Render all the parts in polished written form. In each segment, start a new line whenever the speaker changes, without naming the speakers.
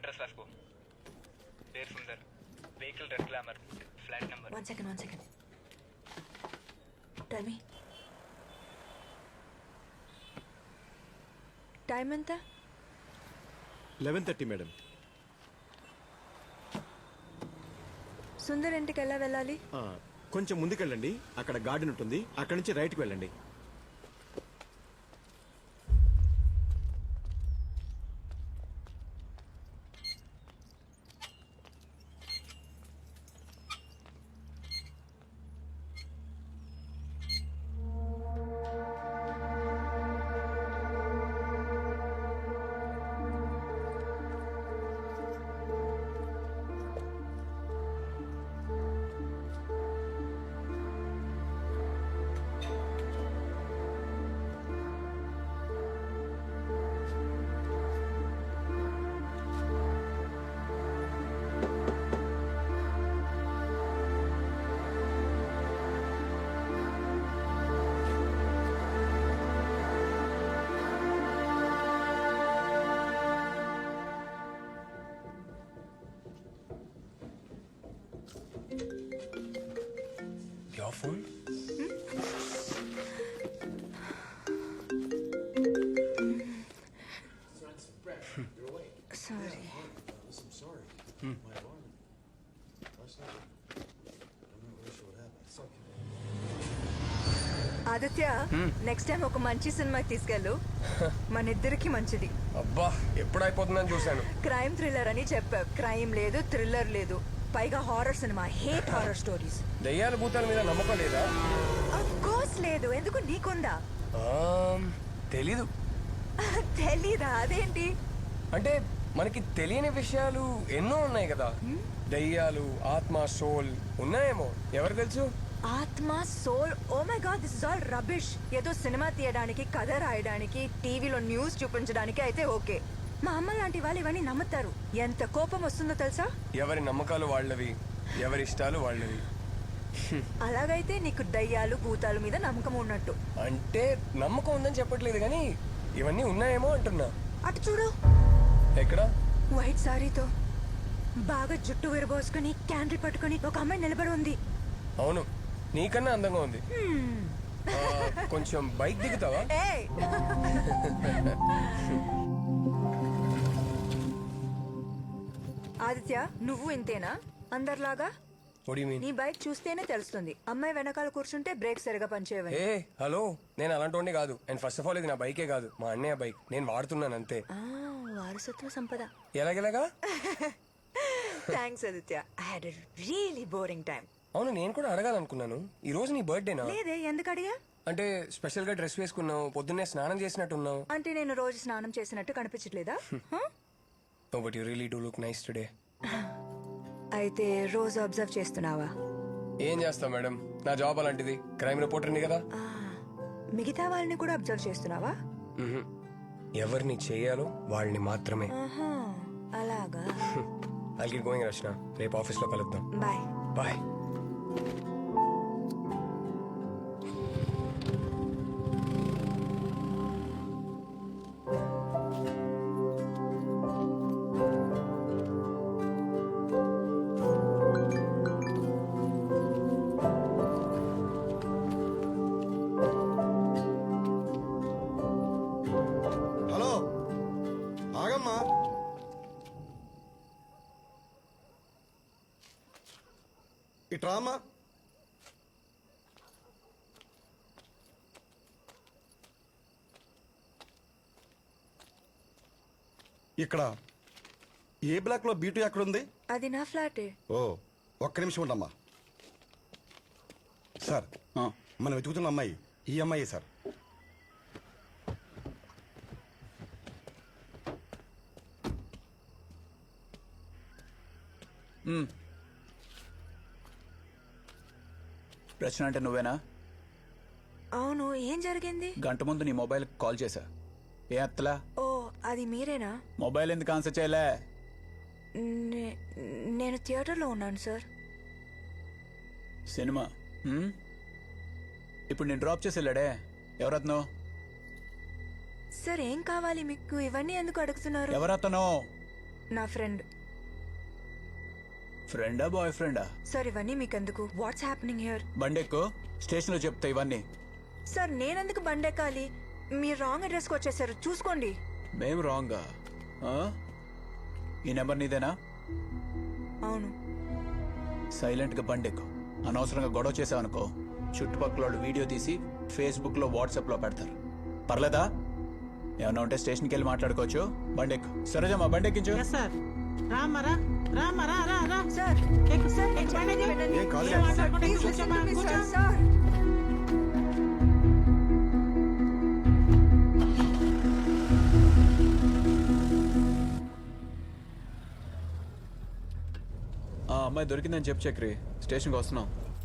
Address రాసుకో. పేరు Sundar, vehicle red Glamour, flat number.
One second tell me time ఎంత?
11:30 madam.
Sundar ఇంటికి ఎలా వెళ్ళాలి?
కొంచెం ముందుకెళ్ళండి, అక్కడ గార్డెన్ ఉంటుంది, అక్కడి నుంచి రైట్కి వెళ్ళండి.
Your phone?
Sorry. Aditya, next time ఒక మంచి సినిమాకి తీసుకెళ్ళు. మన ఇద్దరికి మంచిది.
అబ్బా ఎప్పుడైపోతుందని చూశాను.
క్రైమ్ థ్రిల్లర్ అని చెప్పావు. క్రైమ్ లేదు, థ్రిల్లర్ లేదు, పైగా హారర్ సినిమా. Hate horror stories.
దయ్యాల భూతాల మీద నమ్మకం లేదా?
ఆఫ్ కోర్స్ లేదు. ఎందుకు, నీకుందా?
తెలీదు.
తెలీదా? అదేంటి?
అంటే మనకి తెలియని విషయాలు ఎన్నో ఉన్నాయి కదా. దయ్యాలు, ఆత్మ, సోల్ ఉన్నాయేమో, ఎవరు తెలుసు?
ఆత్మ, soul, oh my God, this is all rubbish. ఏదో సినిమా తీయడానికి, కథ రాయడానికి, టీవీలో న్యూస్ చూపించడానికి అయితే ఓకే. మా అమ్మ లాంటి వాళ్ళు ఇవన్నీ నమ్ముతారు. ఎంత కోపం వస్తుందో తెలుసా?
ఎవరి నమ్మకాలు వాళ్ళవి, ఎవరి ఇష్టాలు వాళ్ళవి.
అలాగైతే నీకు దయ్యాలు, భూతాల మీద నమ్మకం ఉన్నట్టు.
అంటే నమ్మకం ఉందని చెప్పట్లేదు కానీ ఇవన్నీ ఉన్నాయేమో అంటున్నా.
అటు చూడు.
ఎక్కడ?
వైట్ సారీతో బాగా జుట్టు విరబోసుకుని, క్యాండిల్ పట్టుకుని ఒక అమ్మాయి నిలబడి ఉంది.
అవును, నీకన్నా అందంగా ఉంది. కొంచెం బైక్ దిగుతావా?
ఏయ్! ఆదిత్య, నువ్వు ఇంతేనా అందరిలాగా?
What do you mean?
నీ బైక్ చూస్తేనే తెలుస్తుంది. అమ్మాయి వెనకాల కూర్చుంటే బ్రేక్ సరిగా పనిచేయవని.
ఏ హలో, నేను అలాంటి కాదు. అండ్ ఫస్ట్ ఆఫ్ ఆల్ ఇది నా బైకే కాదు, మా అన్నయ్య బైక్. నేను వాడుతున్నాను అంతే.
వారసత్వ సంపద.
ఎలాగెలాగా?
Thanks Aditya. I had a really boring time.
అవును, నేను కూడా అడగాలనుకున్నాను. ఈ రోజు నీ బర్త్డేనా?
లేదే, ఎందుకు అడిగా?
అంటే స్పెషల్ గా డ్రెస్ వేసుకున్నావు, పొద్దున్నే స్నానం చేసినట్టున్నావు.
అంటే నేను రోజు స్నానం చేసినట్టు కనిపించట్లేదా?
Oh, but you really do look nice today.
అయితే రోజు అబ్జర్వ్ చేస్తున్నావా?
ఏం చేస్తావు మేడం, నా జాబ్ అలాంటిది. క్రైమ్ రిపోర్టర్ని కదా.
మిగతా వాళ్ళని కూడా అబ్జర్వ్ చేస్తున్నావా?
ఎవరిని చేయాలో వాళ్ళని మాత్రమే.
అలాగా.
I'll get going, రచన. రేపు ఆఫీస్ లో కలుద్దాం.
బాయ్.
బాయ్.
హలో, ఆగమ్మా. ఇట్రామా. ఇక్కడ ఏ బ్లాక్ లో బీటు ఎక్కడుంది?
అది నా ఫ్లాటే.
ఓ, ఒక్క నిమిషం ఉండమ్మా. సార్, మనం వెతుకుతున్న అమ్మాయి ఈ అమ్మాయి సార్.
రచన అంటే నువ్వేనా?
అవును, ఏం జరిగింది?
గంట ముందు నీ మొబైల్ కాల్ చేశా, ఏ అత్తలా?
ఓ, అది మీరేనా?
మొబైల్ ఎందుకు ఆన్సర్ చేయలే?
నేను థియేటర్లో ఉన్నాను సార్.
సినిమా ఇప్పుడు నేను డ్రాప్ చేసి వెళ్ళాడే, ఎవరత్నో?
సార్, ఏం కావాలి మీకు? ఇవన్నీ ఎందుకు అడుగుతున్నారు?
ఎవరతనో?
నా ఫ్రెండ్.
ఫ్రెండా బాయ్ ఫ్రెండా?
సార్ ఇవన్నీ మీకెందుకు? Watts happening here?
బండెక్కు, స్టేషన్లో చెప్తా ఇవన్నీ.
సార్ నేనెందుకు బండెక్కాలి? మీరు రాంగ్ అడ్రస్కి వచ్చేసారు, చూసుకోండి.
మేం రాంగా? ఈ నెంబర్ నీదేనా?
అవును.
సైలెంట్గా బండెక్కు. అనవసరంగా గొడవ చేసావనుకో చుట్టుపక్కల వాళ్ళు వీడియో తీసి ఫేస్బుక్లో వాట్సాప్లో పెడతారు. పర్లేదా? ఏమన్నా ఉంటే స్టేషన్కి వెళ్ళి మాట్లాడుకోవచ్చు. బండెక్కు. సరేజమ్మా బండెక్కించు.
సార్ రామరా రామరా రా రా
సార్
ఎక్కు
సార్
ఎక్కు బండి ఎక్కు.
వినండి.
ఏం కాదు.
ఏం మాట్లాడకుండా
Please listen
కూర్చోమ్మా,
to me,
కూర్చో.
sir. సార్
ఆ అమ్మాయి దొరికిందని చెప్పు చక్రి. స్టేషన్కి వస్తున్నాం.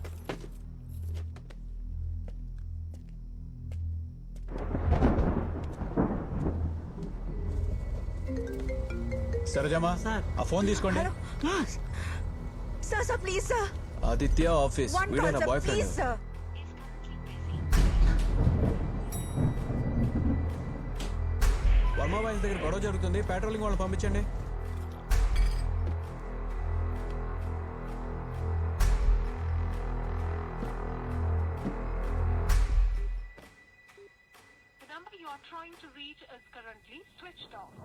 సరేజమ్మా
సార్.
ఆ ఫోన్ తీసుకోండి.
Hello sir sir please sir
Aditya office.
One
వీడే
కాల్
నా
sir
boy
please
friend.
Sir.
Varma boys దగ్గర గొడవ జరుగుతుంది. పెట్రోలింగ్ వాళ్ళని పంపించండి.
The number you are trying to reach is currently switched off.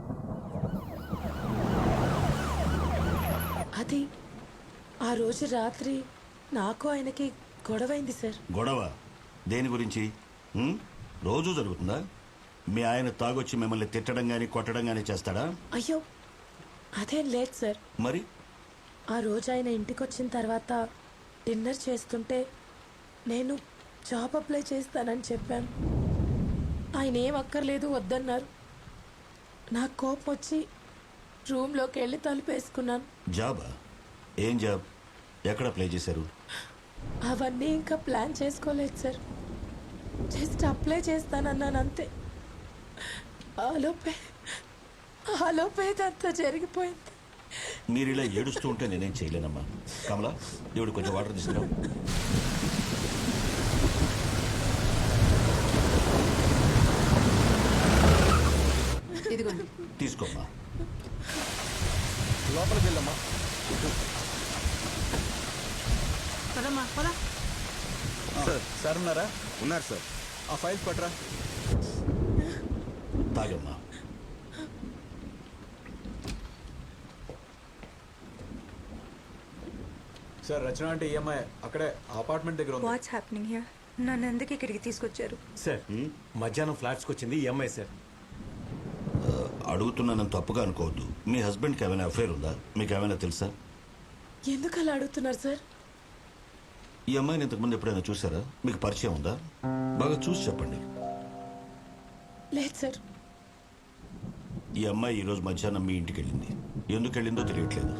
అది ఆ రోజు రాత్రి నాకు ఆయనకి గొడవైంది సార్.
గొడవ దేని గురించి? రోజు జరుగుతుందా? మీ ఆయన తాగొచ్చి మిమ్మల్ని తిట్టడం గాని కొట్టడం గాని చేస్తాడా?
అయ్యో అదేం లేదు సార్.
మరి
ఆ రోజు ఆయన ఇంటికి వచ్చిన తర్వాత డిన్నర్ చేస్తుంటే నేను జాబ్ అప్లై చేస్తానని చెప్పాను. ఆయన ఏం అక్కర్లేదు వద్దన్నారు. నాకు కోపం వచ్చి రూమ్లోకి వెళ్ళి తలుపేసుకున్నాను.
జాబా? ఏం జాబ్? ఎక్కడ అప్లై చేశారు?
అవన్నీ ఇంకా ప్లాన్ చేసుకోలేదు సార్. జస్ట్ అప్లై చేస్తానన్నాను అంతే. ఆలోపే ఇదంతా జరిగిపోయింది.
మీరు ఇలా ఏడుస్తూ ఉంటే నేనేం చేయలేనమ్మా. కమలా, దేవుడు కొంచెం వాటర్ తీసుకురా. తీసుకోమ్మా.
లోపలికి వెళ్ళమ్మా.
పదమ్మా పద.
సార్ ఉన్నారా?
ఉన్నారు సార్.
ఆ ఫైల్స్ పట్టరా.
తాగమ్మా.
సార్ రచన అంటే ఈఎంఐ అక్కడే అపార్ట్మెంట్ దగ్గర ఉంది.
What's happening here? నన్ను ఎందుకు ఇక్కడికి తీసుకొచ్చారు?
సార్ మధ్యాహ్నం ఫ్లాట్స్కి వచ్చింది ఈ అమ్మాయి సార్.
అడుగుతున్నానని తప్పుగా అనుకోవద్దు. మీ హస్బెండ్కి ఏమైనా అఫైర్ ఉందా? మీకు ఏమైనా తెలుసా?
ఎందుకు అలా అడుగుతున్నారు సార్?
ఈ అమ్మాయిని ఇంతకుముందు ఎప్పుడైనా చూసారా? మీకు పరిచయం ఉందా? బాగా చూసి చెప్పండి.
లేదు సార్.
ఈ అమ్మాయి ఈరోజు మధ్యాహ్నం మీ ఇంటికి వెళ్ళింది. ఎందుకు వెళ్ళిందో తెలియట్లేదు.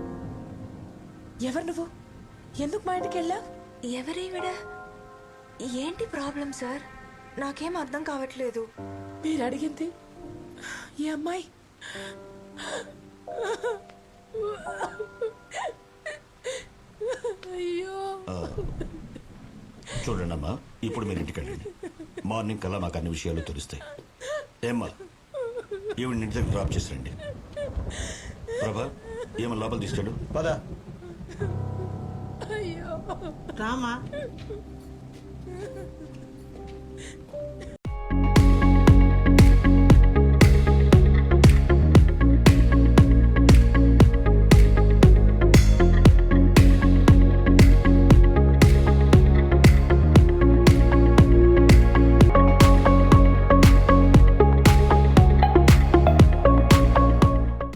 ఎవరు నువ్వు? ఎందుకు మా ఇంటికి వెళ్ళా?
ఎవరేవిడ? ఏంటి ప్రాబ్లం సార్? నాకేం అర్థం కావట్లేదు.
మీరు అడిగింది ఈ అమ్మాయి. అయ్యో
చూడండి అమ్మా, ఇప్పుడు మీరు ఇంటికి వెళ్ళండి. మార్నింగ్ కల్లా మాకు అన్ని విషయాలు తెలుస్తాయి. ఏమ్మా, ఈవిడ ఇంటి దగ్గర డ్రాప్ చేసి రండి. ప్రభా, ఏమన్నా లోపల తీసుకెళ్ళు.
పద.
అయ్యో
రామా